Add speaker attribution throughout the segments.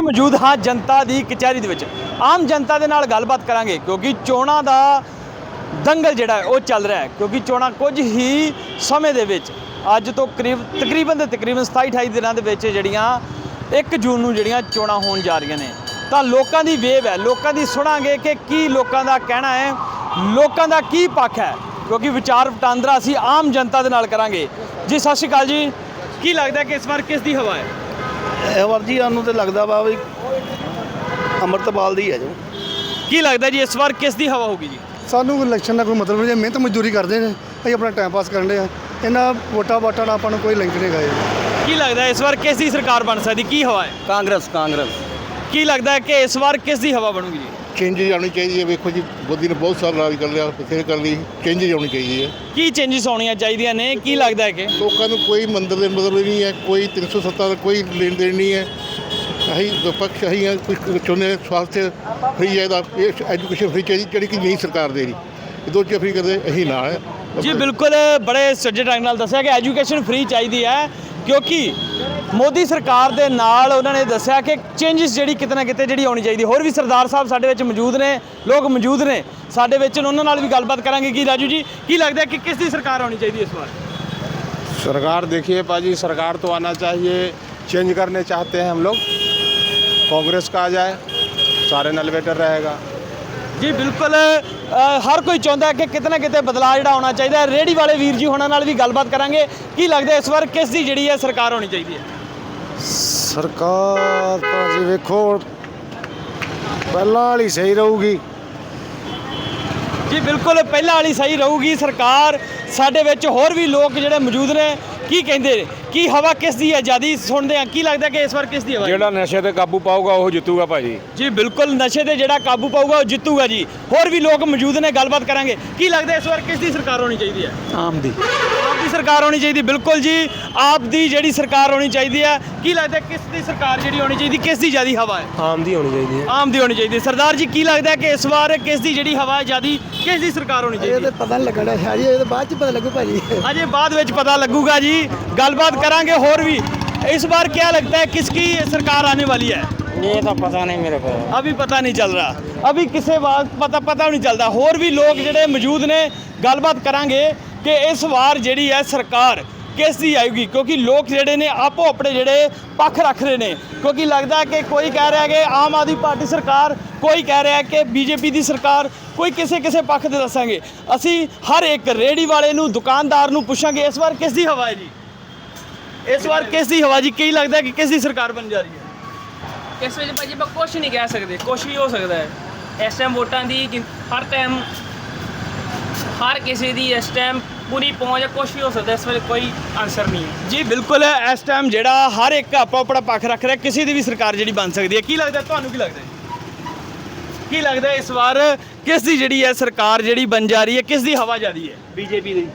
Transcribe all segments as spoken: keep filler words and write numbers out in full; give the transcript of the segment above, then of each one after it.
Speaker 1: मौजूद हाँ जनता की कचहरी दे विच आम जनता के नाल गलबात करांगे क्योंकि चोणां दा दंगल जिहड़ा है वो चल रहा है क्योंकि चोणां कुछ ही समय दे विच अज तो करीब तकरीबन तकरीबन सताई अठाई दिनों के विच जिहड़ियां एक जून नूं जिहड़ियां चोणां होण जा रहीआं ने तां लोकां दी वेव है लोकां दी सुणांगे कि की लोकां दा कहना है लोकां दा की पक्ष है क्योंकि विचार वटांदरा असीं आम जनता दे नाल करांगे। जी सत श्री अकाल जी, की लगता है कि इस बार किस दी हवा है?
Speaker 2: ਇਹ ਵਾਰ ਜੀ ਸਾਨੂੰ ਤਾਂ ਲੱਗਦਾ ਵਾ ਵੀ ਅੰਮ੍ਰਿਤਪਾਲ ਦੀ ਹੈ ਜੋ।
Speaker 1: ਕੀ ਲੱਗਦਾ ਜੀ ਇਸ ਵਾਰ ਕਿਸ ਦੀ ਹਵਾ ਹੋਗੀ ਜੀ?
Speaker 3: ਸਾਨੂੰ ਇਲੈਕਸ਼ਨ ਦਾ ਕੋਈ ਮਤਲਬ ਨਹੀਂ, ਮਿਹਨਤ ਮਜ਼ਦੂਰੀ ਕਰਦੇ ਨੇ, ਅਸੀਂ ਆਪਣਾ ਟਾਈਮ ਪਾਸ ਕਰਨ ਦੇ ਆ, ਇਹਨਾਂ ਵੋਟਾਂ ਵਾਟਾਂ ਨਾਲ ਆਪਾਂ ਨੂੰ ਕੋਈ ਲਿੰਕ ਨਹੀਂ ਗਏ।
Speaker 1: ਕੀ ਲੱਗਦਾ ਇਸ ਵਾਰ ਕਿਸ ਦੀ ਸਰਕਾਰ ਬਣ ਸਕਦੀ, ਕੀ ਹਵਾ ਹੈ?
Speaker 2: ਕਾਂਗਰਸ ਕਾਂਗਰਸ
Speaker 1: ਕੀ ਲੱਗਦਾ ਹੈ ਕਿ ਇਸ ਵਾਰ ਕਿਸ ਦੀ ਹਵਾ ਬਣੂਗੀ ਜੀ?
Speaker 4: ਚੇਂਜਿਸ ਆਉਣੀ ਚਾਹੀਦੀ ਹੈ। ਵੇਖੋ ਜੀ ਮੋਦੀ ਨੇ ਬਹੁਤ ਸਾਲ ਰਾਜ ਕਰ ਲਿਆ, ਬਥੇਰੇ ਕਰ ਲਈ, ਚੇਂਜਿਸ ਆਉਣੀ ਚਾਹੀਦੀ ਹੈ।
Speaker 1: ਕੀ ਚੇਂਜਸ ਆਉਣੀਆਂ ਚਾਹੀਦੀਆਂ ਨੇ? ਕੀ ਲੱਗਦਾ ਹੈ ਕਿ
Speaker 4: ਲੋਕਾਂ ਨੂੰ ਕੋਈ ਮੰਦਰ ਦੇ ਮਤਲਬ ਨਹੀਂ ਹੈ, ਕੋਈ ਤਿੰਨ ਸੌ ਸੱਤਾਂ ਦਾ ਕੋਈ ਲੈਣ ਦੇਣ ਨਹੀਂ ਹੈ। ਅਸੀਂ ਵਿਪਕਸ਼ ਅਸੀਂ ਹਾਂ, ਕੁਝ ਚਾਹੁੰਦੇ ਸਵਾਸਥ ਫਰੀ ਚਾਹੀਦਾ, ਐਜੂਕੇਸ਼ਨ ਫਰੀ ਚਾਹੀਦੀ ਜਿਹੜੀ ਕਿ ਨਹੀਂ ਸਰਕਾਰ ਦੇ ਰਹੀ, ਇਹ ਦੋ ਚੀਜ਼ਾਂ ਫਰੀ ਕਰਦੇ ਅਸੀਂ ਨਾ ਹੈ
Speaker 1: ਜੀ। ਬਿਲਕੁਲ ਬੜੇ ਸੱਜੇ ਢੰਗ ਨਾਲ ਦੱਸਿਆ ਕਿ ਐਜੂਕੇਸ਼ਨ ਫਰੀ ਚਾਹੀਦੀ ਹੈ ਕਿਉਂਕਿ ਮੋਦੀ ਸਰਕਾਰ ਦੇ ਨਾਲ ਉਹਨਾਂ ਨੇ ਦੱਸਿਆ ਕਿ ਚੇਂਜਸ ਜਿਹੜੀ ਕਿਤੇ ਨਾ ਕਿਤੇ ਜਿਹੜੀ ਆਉਣੀ ਚਾਹੀਦੀ। ਹੋਰ ਵੀ ਸਰਦਾਰ ਸਾਹਿਬ ਸਾਡੇ ਵਿੱਚ ਮੌਜੂਦ ਨੇ, ਲੋਕ ਮੌਜੂਦ ਨੇ ਸਾਡੇ ਵਿੱਚ, ਉਹਨਾਂ ਨਾਲ ਵੀ ਗੱਲਬਾਤ ਕਰਾਂਗੇ। ਕੀ ਰਾਜੂ ਜੀ ਕੀ ਲੱਗਦਾ कि किस ਦੀ ਸਰਕਾਰ ਆਉਣੀ ਚਾਹੀਦੀ ਇਸ ਵਾਰ?
Speaker 5: सरकार देखिए पाजी, सरकार तो आना चाहिए, चेंज करने चाहते हैं हम लोग, कांग्रेस का आ जाए सारे नल बेटर रहेगा।
Speaker 1: जी बिल्कुल, हर कोई चाहता है कि कितना कितने बदलाव जिहड़ा होना चाहिए। रेहड़ी वाले वीर जी होना नाल भी गलबात करांगे। की लगता है इस बार किस दी जिहड़ी है सरकार होनी चाहिए?
Speaker 5: सरकार तो जी वेखो पहला वाली सही रहूगी।
Speaker 1: जी बिल्कुल पहला वाली सही रहूगी सरकार। साडे विच होर भी लोग जिहड़े मौजूद ने की कहंदे की हवा किस दी है ज़्यादा सुनते हैं। की लगता है कि इस बार किस दी हवा?
Speaker 5: ਜਿਹੜਾ ਨਸ਼ੇ ਤੇ ਕਾਬੂ ਪਾਊਗਾ ਉਹ ਜਿੱਤੂਗਾ ਭਾਜੀ।
Speaker 1: जी बिल्कुल नशे ते जिहड़ा काबू पाऊगा वो जितूगा जी। होर भी लोग मौजूद ने, गलबात करांगे। की लगता है इस बार किस दी सरकार होनी चाहिए?
Speaker 2: ਆਮ ਦੀ
Speaker 1: आप दी सरकार होनी चाहिए। बिल्कुल जी आप दी जिहड़ी सरकार होनी चाहिए। की लगता है किस दी सरकार जिहड़ी होनी चाहिए, किस दी ज़्यादा हवा है?
Speaker 2: ਆਮ ਦੀ होनी चाहिए।
Speaker 1: आम दी होनी चाहिए। सरदार जी की लगता है कि इस बार किस दी जिहड़ी हवा है ज़्यादा, किस दी सरकार होनी चाहिए?
Speaker 3: ਪਤਾ ਨਹੀਂ ਲੱਗਣਾ ਹੈ ਜੀ, ਇਹ ਤਾਂ ਬਾਅਦ ਚ ਪਤਾ ਲੱਗੂ ਭਾਜੀ।
Speaker 1: अजय बाद में पता लगूगा जी, गलबात करांगे। होर भी इस बार क्या लगता है किसकी सरकार आने वाली है?
Speaker 2: ਇਹ ਤਾਂ ਪਤਾ ਨਹੀਂ ਮੇਰੇ ਕੋਲ।
Speaker 1: अभी पता नहीं चल रहा, अभी किसे बात पता पता नहीं चलता। होर भी लोग जिहड़े मौजूद ने, गलबात करांगे कि इस बार जिहड़ी है सरकार किस दी आएगी क्योंकि लोग जिहड़े ने आपो अपने जिहड़े पक्ष रख रहे हैं। क्योंकि लगता है कि कोई कह रहा है कि आम आदमी पार्टी सरकार, कोई कह रहा है कि बीजेपी की सरकार, कोई किसी किसी पक्ष दे दसांगे। असी हर एक रेहड़ी वाले नूं, दुकानदार नूं पुछांगे इस बार किस दी हवा है जी? इस बार किस दी हवा जी? की लगता है कि किस दी सरकार बन जा रही है?
Speaker 6: ਇਸ ਵਿੱਚ ਭਾਜੀ ਆਪਾਂ ਕੁਛ ਨਹੀਂ ਕਹਿ ਸਕਦੇ, ਕੁਛ ਵੀ ਹੋ ਸਕਦਾ ਹੈ। ਇਸ ਟਾਈਮ ਵੋਟਾਂ ਦੀ ਗਿਣ- ਹਰ ਟਾਈਮ ਹਰ ਕਿਸੇ ਦੀ ਇਸ ਟਾਈਮ ਪੂਰੀ ਪਹੁੰਚ ਹੈ, ਕੁਛ ਵੀ ਹੋ ਸਕਦਾ, ਇਸ ਵੇਲੇ ਕੋਈ ਆਨਸਰ ਨਹੀਂ ਹੈ।
Speaker 1: जी बिल्कुल इस टाइम जिहड़ा हर एक आपो अपना पक्ष रख रहा है, किसी की भी सरकार जिहड़ी बन सकती है। की लगता है तुहानूं, की लगता है की लगता है इस बार किस दी जिहड़ी है सरकार जिहड़ी बन जा रही है, किस दी हवा ज़्यादा है? बीजेपी दी।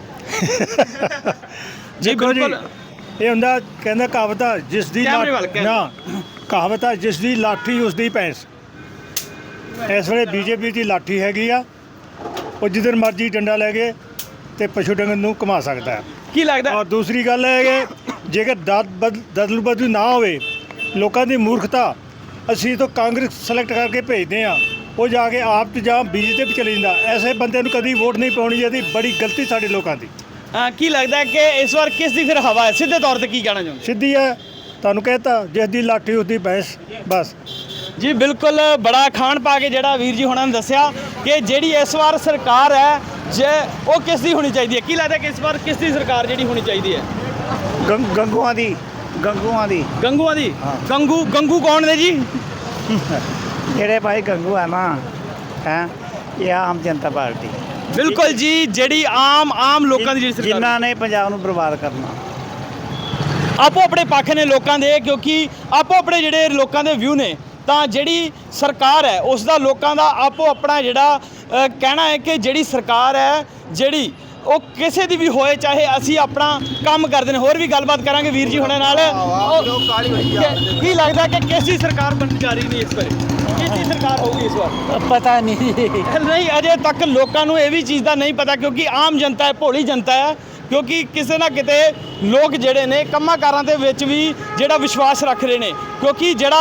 Speaker 1: जी बिल्कुल
Speaker 7: ਇਹ ਹੁੰਦਾ ਕਹਿੰਦਾ ਕਹਾਵਤ ਆ ਜਿਸ ਦੀ
Speaker 1: ਕੈਮਰੇ ਵੱਲ,
Speaker 7: ਲਾ- ਨਾ ਕਹਾਵਤ ਆ ਜਿਸ ਦੀ ਲਾਠੀ ਉਸ ਦੀ ਭੈਂਸ। ਇਸ ਵੇਲੇ ਬੀਜੇਪੀ ਦੀ ਲਾਠੀ ਹੈਗੀ ਆ, ਉਹ ਜਿੱਧਰ ਮਰਜ਼ੀ ਡੰਡਾ ਲੈ ਕੇ ਤੇ ਪਸ਼ੂ ਡੰਗਰ ਨੂੰ ਘੁਮਾ ਸਕਦਾ ਹੈ।
Speaker 1: की लगता है
Speaker 7: ਔਰ ਦੂਸਰੀ ਗੱਲ ਹੈ ਕਿ ਜੇਕਰ ਦਦ ਬਦ ਦਦਲ ਬਦਲ ਨਾ ਹੋਵੇ, ਲੋਕਾਂ ਦੀ ਮੂਰਖਤਾ, ਅਸੀਂ ਤਾਂ ਕਾਂਗਰਸ ਸਿਲੈਕਟ ਕਰਕੇ ਭੇਜਦੇ ਆ, ਉਹ ਜਾ ਕੇ ਆਪ ਤੇ ਜਾਂ ਬੀਜੇਪੀ ਚਲੇ ਜਾਂਦਾ। ਐਸੇ ਬੰਦੇ ਨੂੰ ਕਦੀ ਵੋਟ ਨਹੀਂ ਪਾਉਣੀ ਚਾਹੀਦੀ, ਬੜੀ ਗਲਤੀ ਸਾਡੇ ਲੋਕਾਂ ਦੀ।
Speaker 1: हाँ, की लगता है कि इस बार किस दी फिर हवा है? सीधे तौर पर की कहना चाहते?
Speaker 7: ਸਿੱਧੀ ਹੈ, ਤੁਹਾਨੂੰ कहता ਜਿਸ ਦੀ ਲਾਠੀ ਉਸ ਦੀ ਭੈਂਸ ਬਸ।
Speaker 1: जी बिल्कुल बड़ा खान पा के जिहड़ा वीर जी होना ने दस्सिया कि जिहड़ी इस बार सरकार है जे वो किस दी होनी चाहिए। की लगता है कि इस बार किस दी सरकार जिहड़ी होनी चाहिए है?
Speaker 2: ਗੰ- ਗੰਗੂਆਂ ਦੀ ਗੰਗੂਆਂ ਦੀ
Speaker 1: गंगूआ दी? गंगू गंगू कौन ने जी?
Speaker 2: ਜਿਹੜੇ ਭਾਈ ਗੰਗੂ ਹੈ ਨਾ ਹੈ, ਇਹ ਆਮ ਜਨਤਾ ਪਾਰਟੀ
Speaker 1: बिल्कुल जी जिहड़ी आम आम लोगों की जिहड़ी सरकार
Speaker 2: ਜਿਨ੍ਹਾਂ ਨੇ ਪੰਜਾਬ ਨੂੰ ਬਰਬਾਦ ਕਰਨਾ।
Speaker 1: ਆਪੋ ਆਪਣੇ ਪੱਖ ਨੇ ਲੋਕਾਂ ਦੇ, ਕਿਉਂਕਿ ਆਪੋ ਆਪਣੇ ਜਿਹੜੇ ਲੋਕਾਂ ਦੇ ਵਿਊ ਨੇ। ਤਾਂ ਜਿਹੜੀ ਸਰਕਾਰ ਹੈ ਉਸ ਦਾ ਲੋਕਾਂ ਦਾ ਆਪੋ ਆਪਣਾ ਜਿਹੜਾ ਅ, ਕਹਿਣਾ ਹੈ ਕਿ ਜਿਹੜੀ ਸਰਕਾਰ ਹੈ ਜਿਹੜੀ ਉਹ ਕਿਸੇ ਦੀ ਵੀ ਹੋਏ, ਚਾਹੇ ਅਸੀਂ ਆਪਣਾ ਕੰਮ ਕਰਦੇ ਨੇ। ਹੋਰ ਵੀ ਗੱਲਬਾਤ ਕਰਾਂਗੇ ਵੀਰ ਜੀ ਹੁਣੇ ਨਾਲ। ਉਹ- ਕੀ ਲੱਗਦਾ ਕਿ ਕਿਸ ਦੀ ਸਰਕਾਰ ਬਣ ਜਾ ਰਹੀ ਨਹੀਂ ਇਸ ਵਾਰ? ਕਿਸ ਦੀ ਸਰਕਾਰ ਹੋਊਗੀ ਇਸ ਵਾਰ?
Speaker 2: ਪਤਾ ਨਹੀਂ
Speaker 1: नहीं अजे तक लोगों ये भी चीज़ का नहीं पता क्योंकि आम जनता है, भोली जनता है। क्योंकि किसी ना किते लोग जोड़े ने कम्मां कारां दे विच भी जिहड़ा विश्वास रख रहे हैं। क्योंकि जिहड़ा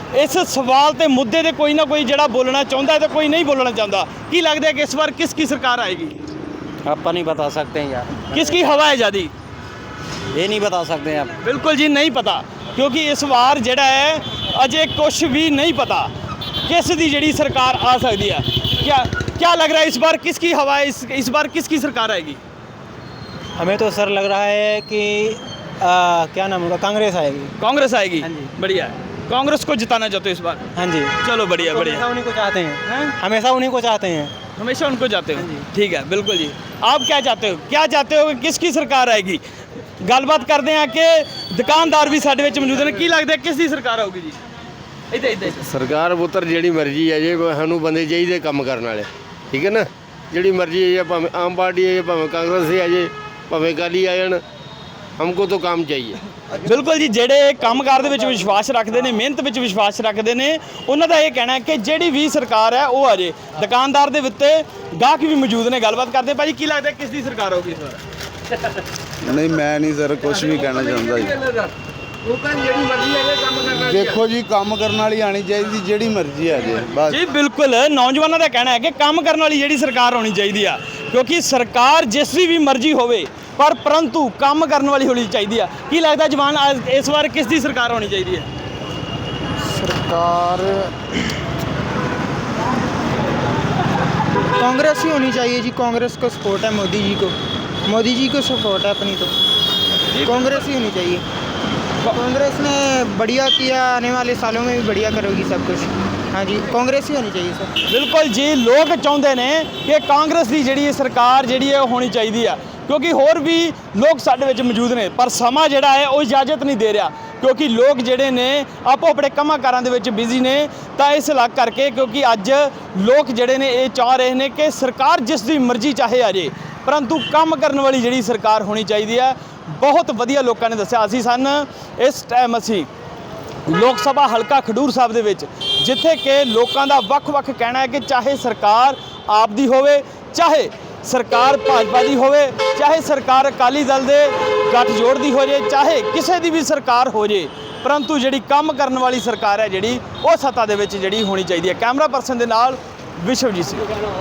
Speaker 1: ਇਸ ਸਵਾਲ ਤੇ ਮੁੱਦੇ ਤੇ ਕੋਈ ਨਾ ਕੋਈ ਜਿਹੜਾ ਬੋਲਣਾ ਚਾਹੁੰਦਾ ਹੈ ਤੇ ਕੋਈ ਨਹੀਂ ਬੋਲਣਾ ਚਾਹੁੰਦਾ। ਕੀ ਲੱਗਦਾ ਹੈ ਕਿ ਇਸ ਵਾਰ ਕਿਸ ਕੀ ਸਰਕਾਰ ਆਏਗੀ?
Speaker 2: ਆਪਾਂ ਨਹੀਂ ਬਤਾ ਸਕਦੇ हैं यार,
Speaker 1: किस की हवा है ज़्यादा?
Speaker 2: ये नहीं बता सकते हैं आप।
Speaker 1: बिल्कुल जी नहीं पता, क्योंकि इस वार ਜਿਹੜਾ ਹੈ अजे कुछ भी नहीं पता किस दी जड़ी सरकार आ सकती है। क्या क्या लग रहा है इस बार किसकी हवा है, इस इस बार किसकी सरकार आएगी?
Speaker 2: हमें तो सर लग रहा है कि आ, क्या नाम होगा, कांग्रेस आएगी।
Speaker 1: कांग्रेस आएगी।
Speaker 2: हाँ जी।
Speaker 1: बढ़िया है, कांग्रेस को जिताना चाहते हो इस बार?
Speaker 2: हाँ जी,
Speaker 1: चलो बढ़िया
Speaker 2: तो
Speaker 1: बढ़िया,
Speaker 2: हमेशा उन्हीं को चाहते हैं,
Speaker 1: हैं?
Speaker 2: हमेशा उन्हीं को चाहते हैं।
Speaker 1: हमेशा उनको चाहते हो?
Speaker 2: हाँ जी।
Speaker 1: ठीक है, बिल्कुल जी। आप क्या चाहते हो, क्या चाहते हो कि किसकी सरकार आएगी? ਗੱਲਬਾਤ ਕਰਦੇ ਆ ਕਿ ਦੁਕਾਨਦਾਰ ਵੀ ਸਾਡੇ ਵਿੱਚ ਮੌਜੂਦ ਨੇ। ਕੀ ਲੱਗਦਾ ਕਿਸ ਦੀ ਸਰਕਾਰ ਆਊਗੀ ਜੀ? ਇੱਥੇ ਇੱਥੇ
Speaker 8: ਸਰਕਾਰ ਪੁੱਤਰ ਜਿਹੜੀ ਮਰਜ਼ੀ ਹੈ ਜੇ ਸਾਨੂੰ ਬੰਦੇ ਚਾਹੀਦੇ ਕੰਮ ਕਰਨ ਵਾਲੇ, ਠੀਕ ਹੈ ਨਾ। ਜਿਹੜੀ ਮਰਜ਼ੀ ਹੈ, ਭਾਵੇਂ ਆਮ ਪਾਰਟੀ ਹੈ, ਭਾਵੇਂ ਕਾਂਗਰਸ ਹੈ, ਜੇ ਭਾਵੇਂ ਅਕਾਲੀ ਆ ਜਾਣ, ਹਮਕੋ ਤਾਂ ਕੰਮ ਚਾਹੀਏ।
Speaker 1: ਬਿਲਕੁਲ ਜੀ, ਜਿਹੜੇ ਕੰਮਕਾਰ ਦੇ ਵਿੱਚ ਵਿਸ਼ਵਾਸ ਰੱਖਦੇ ਨੇ, ਮਿਹਨਤ ਵਿੱਚ ਵਿਸ਼ਵਾਸ ਰੱਖਦੇ ਨੇ, ਉਹਨਾਂ ਦਾ ਇਹ ਕਹਿਣਾ ਹੈ ਕਿ ਜਿਹੜੀ ਵੀ ਸਰਕਾਰ ਹੈ ਉਹ ਆ ਜੇ। ਦੁਕਾਨਦਾਰ ਦੇ ਉੱਤੇ ਗਾਹਕ ਵੀ ਮੌਜੂਦ ਨੇ, ਗੱਲਬਾਤ ਕਰਦੇ। ਭਾਜੀ ਕੀ ਲੱਗਦਾ ਕਿਸ ਦੀ ਸਰਕਾਰ ਆਊਗੀ ਇਸ ਵਾਰ?
Speaker 9: ਨਹੀਂ ਮੈਂ ਨਹੀਂ ਸਰ ਕੁਝ ਵੀ ਕਹਿਣਾ ਚਾਹੁੰਦਾ ਜੀ। ਦੇਖੋ ਜੀ ਕੰਮ ਕਰਨ ਵਾਲੀ ਆਣੀ ਚਾਹੀਦੀ, ਜਿਹੜੀ ਮਰਜ਼ੀ ਆ ਜੇ ਬਸ।
Speaker 1: ਜੀ ਬਿਲਕੁਲ, ਨੌਜਵਾਨਾਂ ਦਾ ਕਹਿਣਾ ਹੈ ਕਿ ਕੰਮ ਕਰਨ ਵਾਲੀ ਜਿਹੜੀ ਸਰਕਾਰ ਹੋਣੀ ਚਾਹੀਦੀ ਆ, ਕਿਉਂਕਿ ਸਰਕਾਰ ਜਿਸ ਦੀ ਵੀ ਮਰਜ਼ੀ ਹੋਵੇ ਪਰ ਪਰੰਤੂ ਕੰਮ ਕਰਨ ਵਾਲੀ ਹੋਣੀ ਚਾਹੀਦੀ ਆ। ਕੀ ਲੱਗਦਾ ਜਵਾਨ ਅੱਜ ਇਸ ਵਾਰ ਕਿਸ ਦੀ ਸਰਕਾਰ ਹੋਣੀ ਚਾਹੀਦੀ ਹੈ?
Speaker 2: सरकार कांग्रेस ही होनी चाहिए जी। कांग्रेस को सपोर्ट है मोदी जी को, मोदी जी को सपोर्ट है अपनी, तो कांग्रेस ही होनी चाहिए। कांग्रेस ने बढ़िया किया, आने वाले सालों में भी बढ़िया करेगी सब कुछ। हाँ जी, कांग्रेस ही होनी चाहिए सर।
Speaker 1: ਬਿਲਕੁਲ ਜੀ, ਲੋਕ ਚਾਹੁੰਦੇ ਨੇ ਕਿ ਕਾਂਗਰਸ ਦੀ ਜਿਹੜੀ ਸਰਕਾਰ ਜਿਹੜੀ ਹੈ ਉਹ ਹੋਣੀ ਚਾਹੀਦੀ ਆ, ਕਿਉਂਕਿ ਹੋਰ ਵੀ ਲੋਕ ਸਾਡੇ ਵਿੱਚ ਮੌਜੂਦ ਨੇ। ਪਰ ਸਮਾਂ ਜਿਹੜਾ ਹੈ ਉਹ ਇਜਾਜ਼ਤ ਨਹੀਂ ਦੇ ਰਿਹਾ, ਕਿਉਂਕਿ ਲੋਕ ਜਿਹੜੇ ਨੇ ਆਪੋ ਆਪਣੇ ਕੰਮਾਂ ਕਾਰਾਂ ਦੇ ਵਿੱਚ ਬਿਜ਼ੀ ਨੇ। ਤਾਂ ਇਸ ਲੱਗ ਕਰਕੇ ਕਿਉਂਕਿ ਅੱਜ ਲੋਕ ਜਿਹੜੇ ਨੇ ਇਹ ਚਾਹ ਰਹੇ ਨੇ ਕਿ ਸਰਕਾਰ ਜਿਸ ਦੀ ਮਰਜ਼ੀ ਚਾਹੇ ਆ ਜੇ, ਪਰੰਤੂ ਕੰਮ ਕਰਨ ਵਾਲੀ ਜਿਹੜੀ ਸਰਕਾਰ ਹੋਣੀ ਚਾਹੀਦੀ ਹੈ। ਬਹੁਤ ਵਧੀਆ ਲੋਕਾਂ ਨੇ ਦੱਸਿਆ। ਅਸੀਂ ਸਨ ਇਸ ਟਾਈਮ ਅਸੀਂ ਲੋਕ ਸਭਾ ਹਲਕਾ ਖਡੂਰ ਸਾਹਿਬ ਦੇ ਵਿੱਚ, ਜਿੱਥੇ ਕਿ ਲੋਕਾਂ ਦਾ ਵੱਖ-ਵੱਖ ਕਹਿਣਾ ਹੈ ਕਿ ਚਾਹੇ ਸਰਕਾਰ ਆਪ ਦੀ ਹੋਵੇ, ਚਾਹੇ ਸਰਕਾਰ ਭਾਜਪਾ ਦੀ ਹੋਵੇ, ਚਾਹੇ ਸਰਕਾਰ ਅਕਾਲੀ ਦਲ ਦੇ ਗੱਠਜੋੜ ਦੀ ਹੋ ਜੇ, ਚਾਹੇ ਕਿਸੇ ਦੀ ਵੀ ਸਰਕਾਰ ਹੋ ਜੇ, ਪਰੰਤੂ ਜਿਹੜੀ ਕੰਮ ਕਰਨ ਵਾਲੀ ਸਰਕਾਰ ਹੈ ਜਿਹੜੀ ਉਹ ਸੱਤਾ ਦੇ ਵਿੱਚ ਜਿਹੜੀ ਹੋਣੀ ਚਾਹੀਦੀ ਹੈ। ਕੈਮਰਾ ਪਰਸਨ ਦੇ ਨਾਲ ਵਿਸ਼ਵਜੀਤ ਸਿੰਘ।